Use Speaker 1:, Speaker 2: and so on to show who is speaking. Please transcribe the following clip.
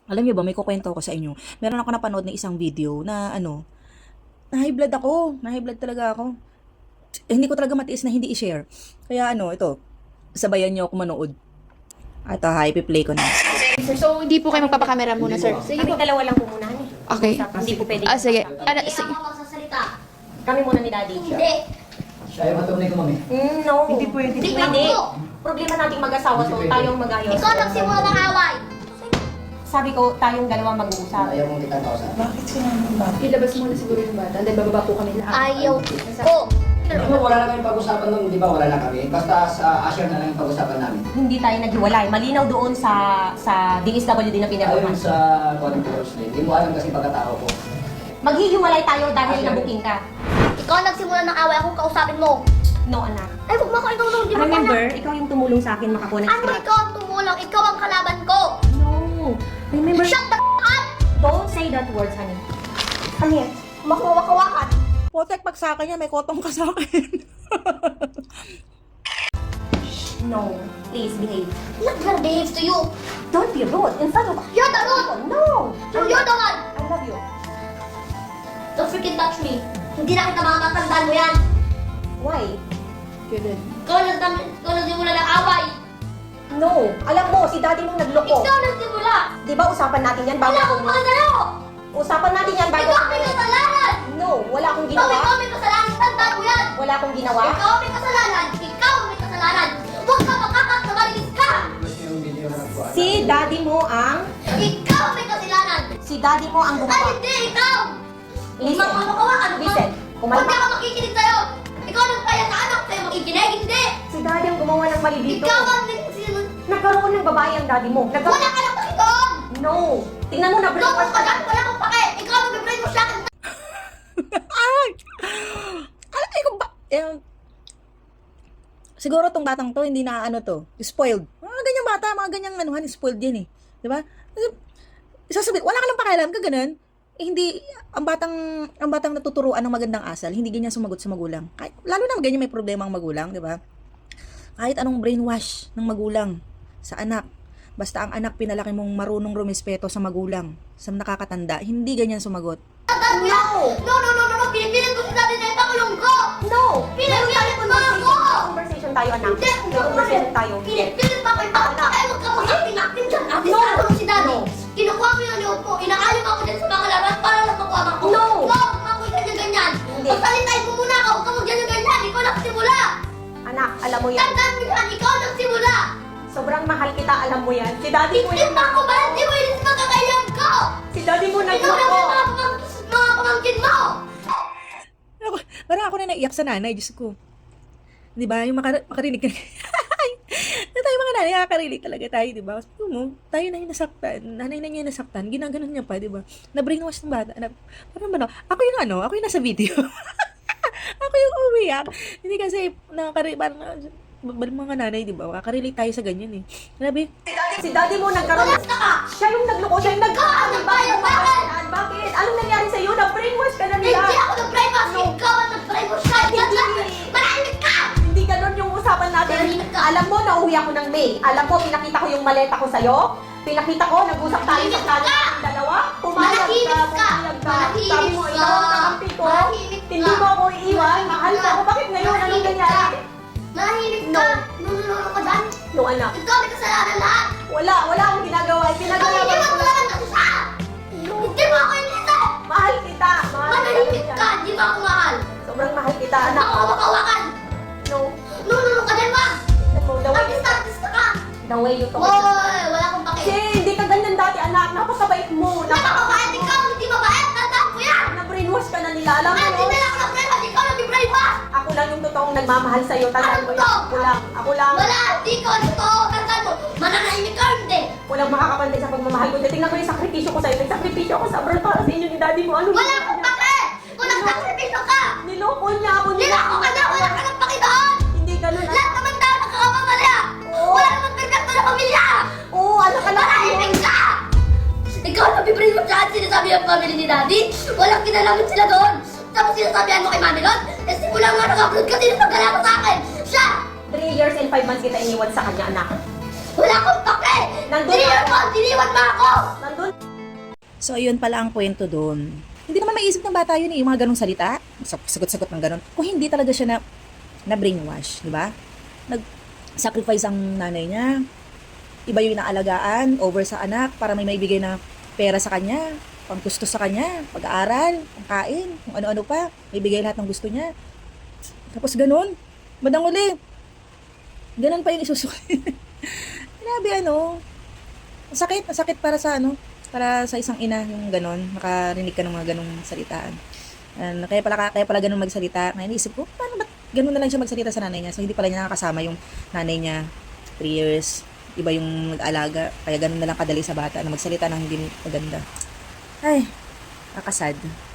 Speaker 1: Alam niyo ba, may kukwento ako sa inyo. Meron ako napanood na isang video na na high blood ako. Na high blood talaga ako. Hindi ko talaga matiis na hindi i-share. Kaya ito, sabayan niyo ako manood. At ipi-play ko na.
Speaker 2: Sir, so hindi po kayo magpapakamera muna, sir. Sige
Speaker 3: Kami
Speaker 2: po.
Speaker 3: dalawa lang po muna.
Speaker 2: Okay.
Speaker 3: Hindi po pwede.
Speaker 2: Sige.
Speaker 3: Hindi
Speaker 2: Sige.
Speaker 3: ako magsasalita. Kami muna ni Daddy.
Speaker 4: Hindi.
Speaker 5: Siya yung matunay ko, mami.
Speaker 3: No.
Speaker 4: Hindi pwede.
Speaker 3: Hindi
Speaker 4: Hindi
Speaker 3: pwede.
Speaker 4: ako.
Speaker 3: Problema nating mag-asawa to. Tayong mag-ayos.
Speaker 4: Ikaw nagsimula ng away.
Speaker 3: Sabi ko, tayong dalawa mag-uusap.
Speaker 5: Ayaw mong kitang kausap.
Speaker 4: Bakit sinabi ba?
Speaker 2: Ilabas muna siguro yung bata. Then bababa po kami lahat.
Speaker 4: Ayaw ko.
Speaker 5: Ano, wala na kami pag-usapan nun, di ba? Wala na kami. Basta sa Asher na lang yung pag-usapan namin.
Speaker 3: Hindi tayo naghiwalay. Malinaw doon sa DSWD na
Speaker 5: Ayun
Speaker 3: pinagawa.
Speaker 5: sa Coding Course Lane. Hindi mo alam kasi pagkatao ko.
Speaker 3: Maghihiwalay tayo dahil nabuking ka.
Speaker 4: Ikaw nagsimula ng away. Akong kausapin mo.
Speaker 3: No, anak.
Speaker 4: Ay, huwag mo ako ikaw di ba?
Speaker 3: Remember, ikaw yung tumulong sa akin makakuha ng
Speaker 4: Ano
Speaker 3: script.
Speaker 4: ikaw ang tumulong? Ikaw ang kalaban ko.
Speaker 3: No. Remember,
Speaker 4: Shut the up!
Speaker 3: don't say that words, honey. Come here.
Speaker 4: Makuwakawakan.
Speaker 1: Potek, pag sa akin yan, may kotong ka sa akin.
Speaker 3: No. Please, behave.
Speaker 4: Not gonna behave to you.
Speaker 3: Don't be rude. In front of
Speaker 4: You're the rude.
Speaker 3: No.
Speaker 4: You're the one.
Speaker 3: I love you.
Speaker 4: Don't freaking touch me. Hindi na kita makakatandaan mo yan.
Speaker 3: Why?
Speaker 4: Ikaw nagsimula ng away.
Speaker 3: No. Alam mo, si daddy mong nagloko.
Speaker 4: Ikaw nagsimula.
Speaker 3: Di ba usapan natin yan bago
Speaker 4: Wala
Speaker 3: ako
Speaker 4: akong pagkakalo.
Speaker 3: Usapan natin yan bago
Speaker 4: Ikaw may kasalanan.
Speaker 3: No, wala akong
Speaker 4: Ikaw
Speaker 3: ginawa.
Speaker 4: may kasalanan. Tandaan mo yan.
Speaker 3: Wala akong ginawa.
Speaker 4: Ikaw may kasalanan. Ikaw may kasalanan. Huwag ka makakat na marinis ka.
Speaker 5: Gusto yung video na nagbuhan.
Speaker 3: Si daddy mo ang...
Speaker 4: Ikaw may kasalanan.
Speaker 3: Si daddy mo ang
Speaker 4: Ay,
Speaker 3: gumawa.
Speaker 4: hindi. Ikaw.
Speaker 3: Listen.
Speaker 4: Makawakan.
Speaker 3: Listen.
Speaker 4: Huwag
Speaker 3: Kumalma.
Speaker 4: ka makikinig sa'yo. Ikaw nagpaya sa anak sa'yo makikinig. Hindi.
Speaker 3: Si daddy ang gumawa ng mali dito.
Speaker 4: Ikaw ang
Speaker 3: Nagkaroon ng babae ang daddy mo.
Speaker 4: wala ka nang pakidoon.
Speaker 3: No. Tingnan mo na
Speaker 4: Doon
Speaker 3: breakfast
Speaker 4: ka dyan. Wala akong pake. Ikaw ang bibray mo sa akin.
Speaker 1: Ay! Ay, kung ba... siguro tong batang to, hindi na spoiled. Mga ganyang bata, mga ganyang spoiled yan eh. Di ba? Isasabihin, wala ka lang pakialam ka ganun. Hindi, ang batang natuturuan ng magandang asal, hindi ganyan sumagot sa magulang. Kahit, lalo na ganyan may problema ang magulang, di ba? Kahit anong brainwash ng magulang sa anak, basta ang anak pinalaki mong marunong rumispeto sa magulang, sa nakakatanda, hindi ganyan sumagot.
Speaker 4: Tandaan mo yan. No. Pinipilit ko si dati na ipakulong ko.
Speaker 3: No.
Speaker 4: Pinipilit mo ako.
Speaker 3: Conversation tayo, anak.
Speaker 4: Hindi.
Speaker 3: Conversation tayo.
Speaker 4: Pinipilit mo ako ipakulong. Ay, huwag ka mag-acting dyan. Ate, no. Si dati. Kinukuha mo yung loob mo. Inaalim ako dyan sa mga laban para lang makuha ko.
Speaker 3: No.
Speaker 4: Huwag mo ganyan.
Speaker 3: Hindi.
Speaker 4: Pasalitain mo muna ako. Huwag ka mag-ganyan. Ikaw nagsimula.
Speaker 3: Anak, alam mo yan.
Speaker 4: Tandaan mo yan. Ikaw nagsimula.
Speaker 3: Sobrang mahal kita, alam mo yan. Si daddy mo
Speaker 4: Hindi
Speaker 3: yan.
Speaker 4: pa ako ba? Hindi mo yun sa magkakailan ko.
Speaker 3: Si daddy mo
Speaker 4: Ikaw lang
Speaker 3: nagloko.
Speaker 4: yung mga pamangkin mo.
Speaker 1: Parang ako na naiyak sa nanay, Diyos ko. Di ba? Yung makarinig ka. Na tayo mga nanay, nakakarinig talaga tayo, di ba? Sabi mo, tayo na yung nasaktan. Nanay na niya yung nasaktan. Ginaganon niya pa, di ba? Na-brainwash ng bata. Parang ba, ako yung nasa video. Ako yung umiyak. Hindi kasi, parang, mga nanay, di ba? Makakarelate tayo sa ganyan eh. Sabi,
Speaker 3: Si daddy mo nagkaroon.
Speaker 4: Walas ka ka.
Speaker 3: Siya yung nagloko. Siya yung
Speaker 4: Ikaw ang nagbayad sa akin.
Speaker 3: Bakit? Anong nangyari sa'yo? Na-brainwash ka na nila.
Speaker 4: Hindi ako nag-brainwash. Ikaw ang nag-brainwash ka. Manahimik ka.
Speaker 3: Hindi ganun yung usapan natin.
Speaker 4: Manahimik ka.
Speaker 3: Alam mo, nauwi ako ng May. Alam mo, pinakita ko yung maleta ko sa'yo. Pinakita ko, nag-usap tayo sa
Speaker 4: Manahimik
Speaker 3: kanya
Speaker 4: ka.
Speaker 3: ng dalawa. Pumayag
Speaker 4: Manahimik ka.
Speaker 3: pumayag ka.
Speaker 4: Manahimik
Speaker 3: Sabi mo,
Speaker 4: ka.
Speaker 3: ikaw ang kakampi ko.
Speaker 4: Manahimik ka.
Speaker 3: Hindi mo ako iiwan. Mahal mo ako. Bakit ngayon? Anong
Speaker 4: Manahimik
Speaker 3: nangyari?
Speaker 4: Manahimik ka. Nunulunod ka dyan.
Speaker 3: No, anak.
Speaker 4: Ikaw may kasalanan lahat.
Speaker 3: Wala akong ginagawa.
Speaker 4: Ikaw
Speaker 3: Pinagalaman
Speaker 4: hindi
Speaker 3: ko
Speaker 4: mo
Speaker 3: lang.
Speaker 4: lang ang isa. Hindi mo ako inisip.
Speaker 3: Mahal kita.
Speaker 4: Manahimik ka. Hindi mo ako mahal.
Speaker 3: Sobrang mahal kita,
Speaker 4: Hindi
Speaker 3: anak.
Speaker 4: ako makawakan.
Speaker 3: No.
Speaker 4: Nunulunod ka dyan ba?
Speaker 3: The way you
Speaker 4: Artista ka.
Speaker 3: The way you talk.
Speaker 4: Hoy, wala akong
Speaker 3: Kasi
Speaker 4: pake.
Speaker 3: hindi ka ganyan dati, anak. Napakabait mo.
Speaker 4: Napakabait ikaw. Hindi mabait. Tandaan mo yan.
Speaker 3: Na-brainwash ka na nila. Alam mo,
Speaker 4: At hindi na ako nag-brainwash. Ikaw nag-brainwash.
Speaker 3: ako lang yung totoong nagmamahal sa'yo. Tandaan mo yan. Ako lang. Ako lang.
Speaker 4: Wala, hindi ko ito. Tandaan mo, mananahimik ka hindi.
Speaker 3: Walang makakapantay sa pagmamahal ko. Tingnan mo yung sakripisyo ko sa'yo. Nagsakripisyo ako sa abroad para sa inyo ni daddy mo. Ano
Speaker 4: Wala akong pake. Kung nagsakripisyo ka,
Speaker 3: Niloko niya ako.
Speaker 4: nilako ka na, wala ka ng pake doon.
Speaker 3: Hindi ganun.
Speaker 4: Lahat naman tao nakakapamali.
Speaker 3: Oo.
Speaker 4: Wala naman perfecto na pamilya.
Speaker 3: Oo, ano ka lang.
Speaker 4: Manahimik ka. Ikaw nabibring mo siya at sinasabi ang family ni daddy. Walang kinalaman sila doon. Tapos sinasabihan mo kay mami Lon, eh simula nga nag-upload ka, sino nagkala sa akin? Siya!
Speaker 3: 3 years and 5 months kita iniwan sa kanya, anak.
Speaker 4: Wala akong pake!
Speaker 3: Nandun
Speaker 4: 3 years
Speaker 3: ka.
Speaker 4: doon! Iniwan mo ako!
Speaker 3: Nandun
Speaker 1: So, ayun pala ang kwento doon. Hindi naman maiisip ng bata yun eh, yung mga ganong salita. Sagot-sagot ng ganon. Kung hindi talaga siya na brainwash, di ba? Nag-sacrifice ang nanay niya. Iba yung inaalagaan over sa anak para may maibigay na pera sa kanya, pang gusto sa kanya, pag-aaral, pangkain, kung ano-ano pa. May bigay lahat ng gusto niya. Tapos ganon. Bandang uli. Ganon pa yung isusulit. Grabe masakit para sa para sa isang ina yung ganon, makarinig ka ng mga ganong salitaan. Kaya pala ganun magsalita. Kaya naisip ko, paano ba't ganun na lang siya magsalita sa nanay niya? So, hindi pala niya nakakasama yung nanay niya 3 years. Iba yung nag-alaga. Kaya ganun na lang kadali sa bata na magsalita ng hindi maganda. Ay, nakakasad.